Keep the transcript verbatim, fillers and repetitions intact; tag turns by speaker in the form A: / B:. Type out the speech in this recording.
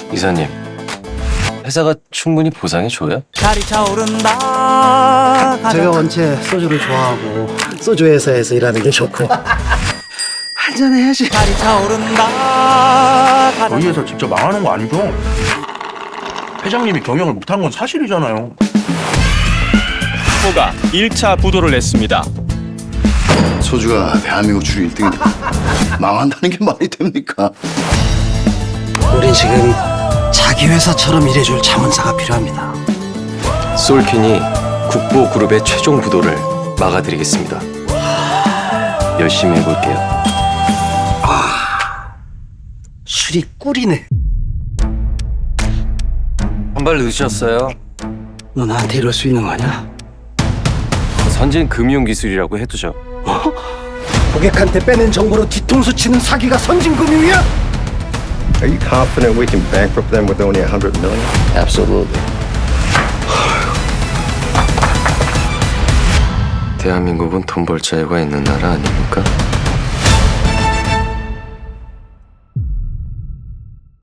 A: 이사님, 회사가 충분히 보상해줘요?
B: 달이 차오른다.
C: 제가 원체 소주를 좋아하고 소주 회사에서 일하는 게 좋고 한잔 해야지.
B: 달이 차오른다.
D: 저희 회사 진짜 망하는 거 아니죠? 회장님이 경영을 못한 건 사실이잖아요.
E: 후보가 일 차 부도를 냈습니다.
F: 소주가 대한민국 주류 일 등인데 망한다는 게 말이 됩니까?
C: 우린 지금 자기 회사처럼 일해줄 자문사가 필요합니다.
A: 솔킨이 국보그룹의 최종 부도를 막아드리겠습니다. 열심히 해볼게요.
C: 술이 꿀이네.
A: 한 발 늦으셨어요.
C: 너 나한테 이럴 수 있는 거냐?
A: 선진 금융기술이라고 해두죠.
C: 고객한테 빼낸 정보로 뒤통수 치는 사기가 선진금융이야?
G: Are you confident we can bankrupt them with only a hundred million?
F: Absolutely.
A: 대한민국은 돈 벌 자유가 있는 나라 아닙니까?